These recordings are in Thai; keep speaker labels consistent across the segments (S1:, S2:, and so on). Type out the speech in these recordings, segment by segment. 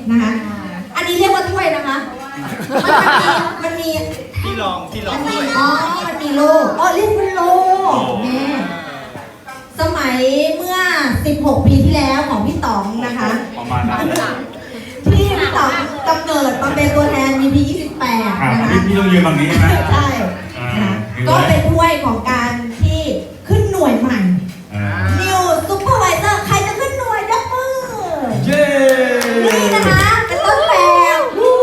S1: นะคะอันนี้เรียกว่าถ้วยนะคะมันมี
S2: ที่รองด้วย
S1: อ๋อมันมีโล่เรียกว่าโล่แม่สมัยเมื่อ16 ปีที่แล้วของพี่ต๋องนะคะ
S2: ประมาณนั้น
S1: ที่พี่ต๋องกำเนิดมาเป็นตัวแทน VP 28นะคะ
S2: พี่ต้องยืนตรงนี้นะ
S1: ใช่ก็เป็นถ้วยของการที่ขึ้นหน่วยใหม่ New Supervisor ใครจะขึ้นหน่วยยกมือ
S2: เย้
S1: นี่นะคะเป็นต้นแบบ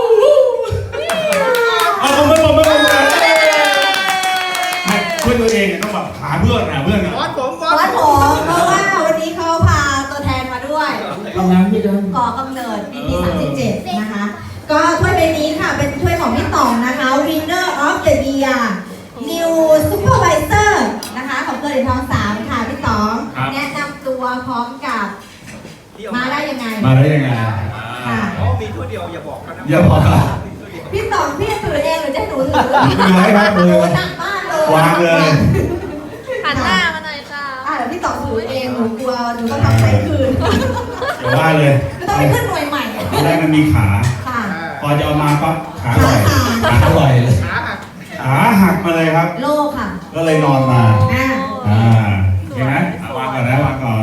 S2: ผมเพื่อนตัวเองต้องแบบหาเพื่อน
S1: วัดผมเพราะว่าวันนี้เขาพาตัวแทนมาด้วยก่อกำเนิด VP 37นะคะก็ถ้วยใบนี้ค่ะเป็นถ้วยของพี่ต๋องนะคะ Winner of the Year New Supervisor นะคะของเกิดในทอง3ค่ะพี่ต๋องแนะนำตัวพร้อมกับมาได้ยังไง
S2: ค่ะมีถ้วยเดียวอย่าบอกกันนะ
S1: พี่ต๋องพี่ถือเองหรือจะหนูถือ
S2: ไว้ครับมือ
S1: หนักมากเลยว
S2: างเลย
S3: หันหน้ามาหน่อยจ้า
S1: เดี๋ยวพี่ต๋องถือเองหนูกลัวหนูต้องทำใส่คืน
S2: อย่าว่าเลย
S1: ต้องไปขึ้นหน่วยใหม่
S2: ตอนแรกมันมีขาพอจะเอามาปั๊บขาลอยเลยขาหักมาเลยครับ
S1: โลค่ะ
S2: ก็เลยนอนมาเห็นไหมวางก่อนนะวางก่อน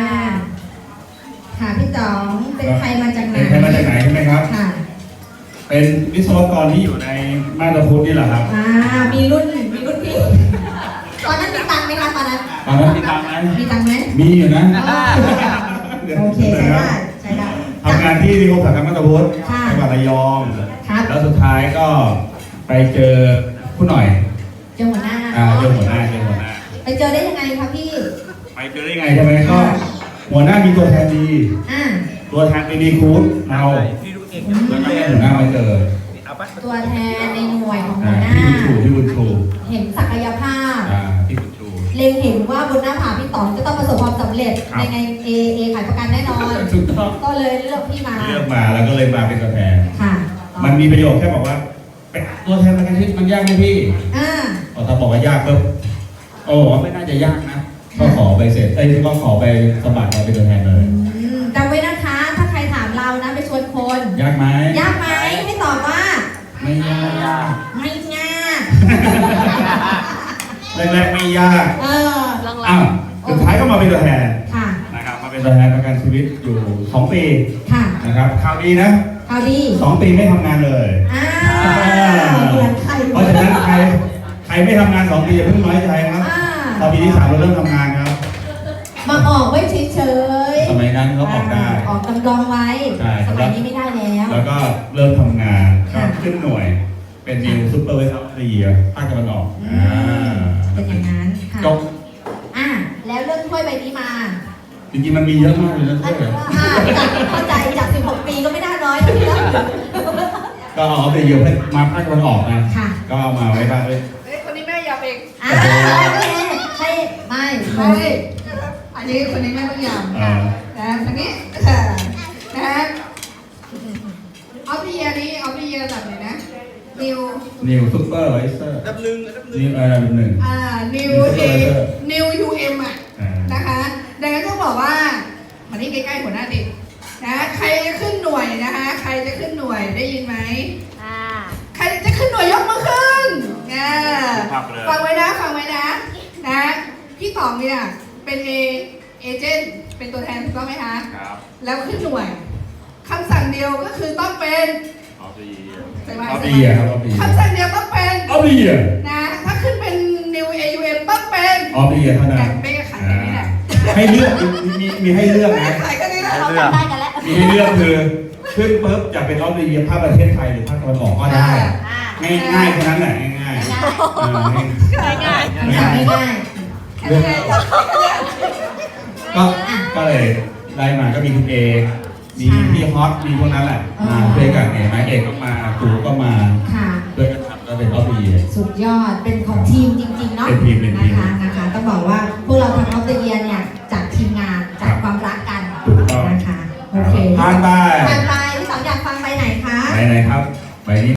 S1: ค่ะพี่ต๋องเป็นใครมาจากไหน
S2: ใช่ไหมครับ
S1: ค่ะ
S2: เป็นวิศวกรที่อยู่ในมาตรพุทธนี่แหละครับ
S1: มีรุ่นพี่ตอนนั้นมีตังไหมคะตอนนั้น
S2: มีตังไหมมีอยู่นะ
S1: โอเคใช้ได้
S2: ทำงานที่นิคมอุตสาหกรรมมาตรพุทธจังหวัดระยองแล้วสุดท้ายก็ไปเจอผู้หน่อย
S1: เจอหัวหน้าไปเจอได้ยังไงคะพี่
S2: ไปเจอได้ยังไงใช่ไหมก็หัวหน้ามีตัวแทนดีตัวแทนดีคูดเราแล้วก็หัวหน้ามาเจอ
S1: ตัวแทนในหน่วยของหัวหน้า
S2: พี่บุญชู
S1: เห็นศักยภาพ
S2: พี่บุญชู
S1: เล็งเห็นว่าบนหน้าผาพี่ต๋องจะต้องประสบความสำเร็จในเอขายประกันแน่นอนก็เลยเลือกพี่มา
S2: แล้วก็เลยมาเป็นตัวแทน
S1: ค่ะ
S2: มันมีประโยชน์แค่บอกว่าเป็นตัวแทนประกันชีวิตมันยากไหมพี่พอถ้าบอกว่ายากปุ๊บไม่น่าจะยากนะก็ขอไปเสร็จก็ขอไปสมัครมาเป็นตัวแทนเลย
S1: จำไว้นะคะถ้าใครถามเรานะไปชวนคน
S2: ยากไหม
S1: ไม่ตอบว่า
S2: ไม่ยากแรกไม่ยากสุดท้ายก็มาเป็นตัวแทนนะครับมาเป็นตัวแทนประกันชีวิตอยู่2 ปีนะครับข่าวดีนะ2 ปีไม่ทำงานเลยเพราะฉะนั้นใครไม่ทำงาน2 ปีอย่าเพิ่งน้อยใจครับพอปีที่3เราเริ่มทำงานครับ
S1: มาออกไว้เฉย
S2: ๆสมัยนั้นเขาออกได้
S1: ออกกำลังไว้สมัยนี้ไม่ได้
S2: แล้วก็เริ่มทำงานขึ้นหน่วยเป็นนิวซุปเปอร์ไวเซอร์ภาคตะวันออก
S1: เป็นอย่างนั้นค่ะ
S2: จบ
S1: แล้วเรื่องถ้วยใบนี้มา
S2: จริงๆมันมีเยอะมากเลยนะถ้วย
S1: เข้าใจจาก16 ปีก็ไม่ได้น้อย
S2: ก็เอาไปเยอะมาภาคตะวันออกนะก็เอามาไว้บ้างเลย
S3: คนนี้แม่ยำเอง
S1: ไม่
S3: อันนี้คนนี้แม่ต้องยำคนนี้นะออฟเดียนี้ออฟเดียระดับไหนนะ
S2: นิวซุปเปอร์ไวเซอร์
S3: ดับหนึ่งนิวUM นะคะดังนั้นต้องบอกว่ามาที่ใกล้ๆหัวหน้าติดนะใครจะขึ้นหน่วยนะคะใครจะขึ้นหน่วยได้ยินไหมใครจะขึ้นหน่วยยกมือขึ้นฟังไว้นะพี่ต๋องเนี่ยเป็นเอเจนต์เป็นตัวแทนถูกต้องไหมคะ
S2: ครับ
S3: แล้วขึ้นหน่วยคำสั่งเดียวก็คือต้องเป็น
S2: ใช่ไหมครับ
S3: คำสั่งเดียวต้องเป็นนะถ้าขึ้นเป็น New AUM ต้องเป็น
S2: เท่านั้น
S3: ไม่ขายกันนี่แหละ
S2: ให้เลือกมีให้เลือกนะ
S3: ขายกันนี่แหละ
S2: มีให้เลือกคือขึ้นปุ๊บจะเป็นออฟเดียภาคประเทศไทยหรือภาคตะวันออกก็ได้ง่ายแค่นั้นแหละง่ายก็เลยได้มาก็มีคุณเอมีพี่ฮอตมีพวกนั้นแหละมาด้วยกันเอกก็มาตูก็มาด้วยกันทำก็เป็นออฟเดีย
S1: สุดยอดเป็นของทีมจริงๆเนาะ
S2: เป็นทีม
S1: นะคะต้องบอกว่าพวกเราทำออฟเดียเนี่ยจากทีมงานจากความรักกันนะคะโอเค
S2: ผ่านไป
S1: พี่สองอยากฟังไปไหนคะ
S2: ไปไหนครับไปนี้